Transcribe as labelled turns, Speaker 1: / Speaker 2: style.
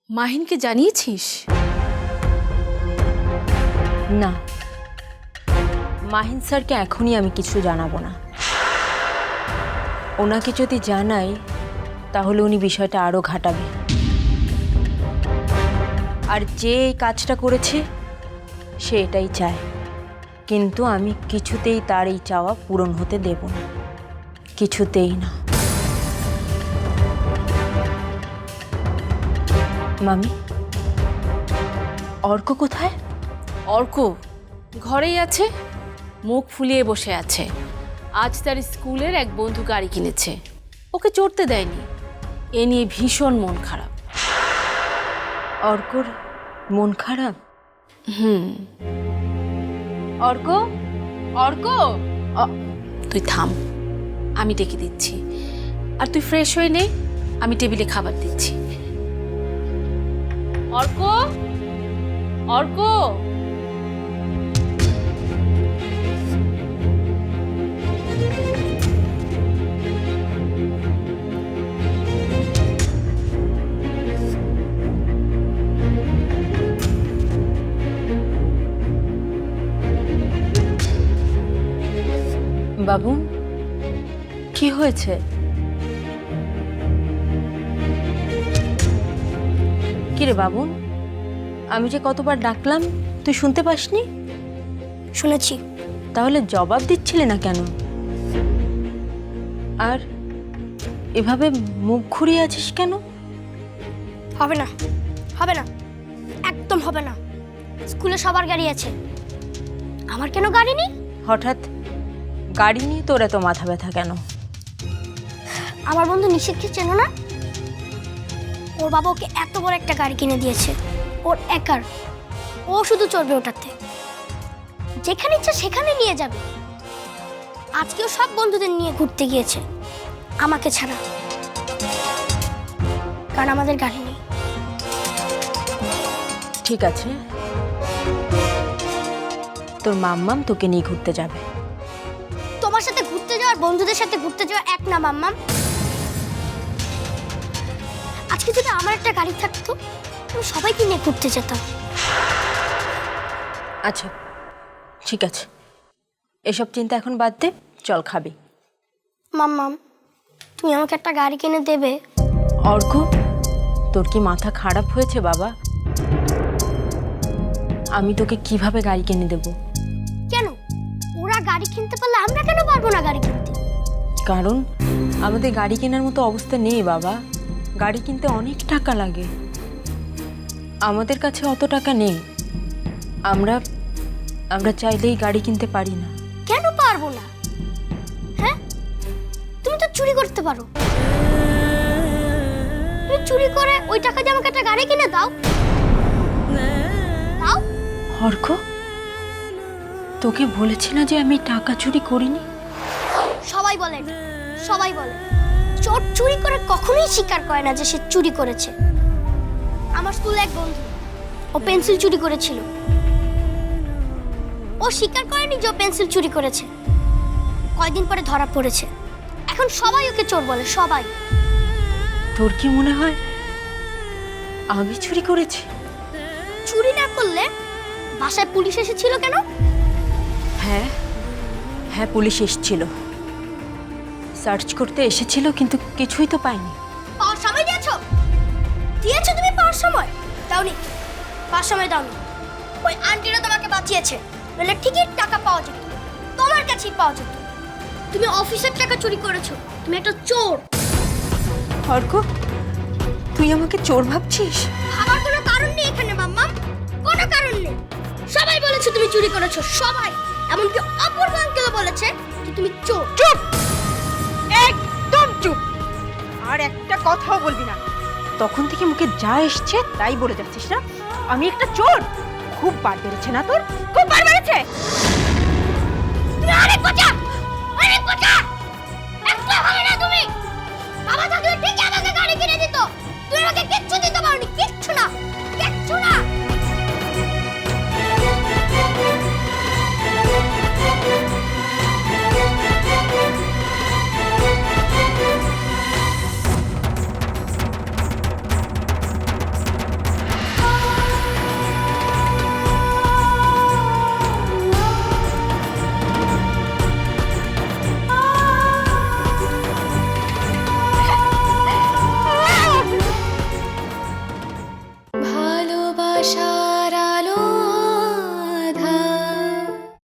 Speaker 1: মাহিনকে জানিয়েছিস?
Speaker 2: না, মাহিন স্যারকে এখনই আমি কিছু জানাবো না। ওনাকে যদি জানাই তাহলে উনি বিষয়টা আরো ঘাটাবে, আর যে এই কাজটা করেছে সে এটাই চায়, কিন্তু আমি কিছুতেই তার এই চাওয়া পূরণ হতে দেব না, কিছুতেই না। মামি, অর্ক কোথায়?
Speaker 1: অর্ক ঘরেই আছে, মুখ ফুলিয়ে বসে আছে। আজ তার স্কুলের এক বন্ধু গাড়ি কিনেছে, ওকে চড়তে দেয়নি। এ নিয়ে ভীষণ মন খারাপ।
Speaker 2: অর্কর মন খারাপ? অর্ক, অর্ক,
Speaker 1: তুই থাম, আমি ডেকে দিচ্ছি। আর তুই ফ্রেশ হয়ে নে, আমি টেবিলে খাবার দিচ্ছি। অর্ক, অর্ক,
Speaker 2: বাবু কি হয়েছে? কিরে বাবু, আমি যে কতবার ডাকলাম তুই শুনতে পাসনি?
Speaker 3: শুনেছি।
Speaker 2: তাহলে জবাব দিচ্ছিলে না কেন? আর এভাবে মুখ ঘুরিয়ে আছিস কেন?
Speaker 3: হবে না, হবে না, একদম হবে না। স্কুলে সবার গাড়ি আছে, আমার কেন গাড়ি নেই?
Speaker 2: হঠাৎ গাড়ি নিয়ে তোর এত মাথা ব্যথা কেন?
Speaker 3: আমার বন্ধু নিশিতকে চেনো না? ওর বাবা ওকে এত বড় একটা গাড়ি কিনে দিয়েছে, ওর একার। ও শুধু চড়বে ওটাতে, যেখানে ইচ্ছা সেখানে নিয়ে যাবে। আজকেও সব বন্ধুদের নিয়ে ঘুরতে গিয়েছে, আমাকে ছাড়া, কারণ আমাদের গাড়ি নেই।
Speaker 2: ঠিক আছে, তোর মাম্মাম তোকে নিয়ে ঘুরতে যাবে।
Speaker 3: তোমার সাথে ঘুরতে যাওয়ার বন্ধুদের সাথে ঘুরতে যাওয়া এক না মাম্মাম। আজকে যদি আমার একটা গাড়ি থাকতো আমি সবাইকে নিয়ে ঘুরতে যেতাম।
Speaker 2: আচ্ছা ঠিক আছে, এসব চিন্তা এখন বাদ দে, চল খাবি।
Speaker 3: মাম্মাম, তুমি আমাকে একটা গাড়ি কিনে দেবে?
Speaker 2: অর্ক, তোর কি মাথা খারাপ হয়েছে বাবা? আমি তোকে কিভাবে গাড়ি কিনে দেব?
Speaker 3: কেন? ওরা গাড়ি কিনতে পারলে আমরা কেন পারবো না গাড়ি কিনতে?
Speaker 2: কারণ আমাদের গাড়ি কেনার মতো অবস্থা নেই বাবা। গাড়ি কিনতে অনেক টাকা লাগে, আমাদের কাছে অত টাকা নেই। আমরা আমরা চাইলেই গাড়ি কিনতে পারি না।
Speaker 3: কেন পারবো না? হ্যাঁ, তুমি তো চুরি করতে পারো। তুমি চুরি করে ওই টাকা দিয়ে আমাকে একটা গাড়ি কিনে দাও। দাও।
Speaker 2: অর্ক, তোকে বলেছি না যে আমি টাকা চুরি করিনি?
Speaker 3: সবাই বলে, সবাই বলে। চোর চুরি করে কখনোই স্বীকার করে না যে সে চুরি করেছে। আমার স্কুলে এক বন্ধু, ও পেন্সিল চুরি করেছিল। ও স্বীকার করেনি যে ও পেন্সিল চুরি করেছে। কয়দিন পরে ধরা পড়েছে। এখন সবাই ওকে চোর বলে, সবাই।
Speaker 2: তোর কি মনে হয় আমি চুরি করেছি?
Speaker 3: চুরি না করলে বাসায় পুলিশ এসেছিল কেন?
Speaker 2: হ্যাঁ হ্যাঁ, পুলিশ এসেছিল, সার্চ করতে এসেছিল, কিন্তু কিছুই তো পাইনি।
Speaker 3: পাওয়ার সময় দিয়েছো? দিয়েছো তুমি পাওয়ার সময়? দাওনি, পাওয়ার সময় দাওনি। ওই আন্টিরা তোমাকে বাঁচিয়েছে, নইলে ঠিকই টাকা পাওয়া যেত, তোমার কাছেই পাওয়া যেত। তুমি অফিসের টাকা চুরি করেছো, তুমি একটা চোর।
Speaker 2: অর্ক, তুই আমাকে চোর ভাবছিস?
Speaker 3: ভাবার কোনো কারণ নেই এখানে মাম্মা, কোনো কারণ নেই। সবাই বলেছে তুমি চুরি করেছো, সবাই। এমনকি অপূর্ব আঙ্কেলও বলেছে যে তুমি চোর।
Speaker 4: চুপ, একদম চুপ, আর একটা কথাও বলবি না। তখন থেকে মুখে যা এসছে তাই বলে যাচ্ছিস না? আমি একটা চোর? খুব বার বেড়েছে না তোর? খুব বার বেড়েছে।
Speaker 3: তুমি অনেক কথা, অনেক কথা। একটা হবে না তুমি। বাবা থাকলে ঠিক আমাকে গাড়ি কিনে দিত, তুমি আমাকে কিচ্ছু দিতে পারোনি, কিচ্ছু না, কিচ্ছু না।
Speaker 5: ভাষা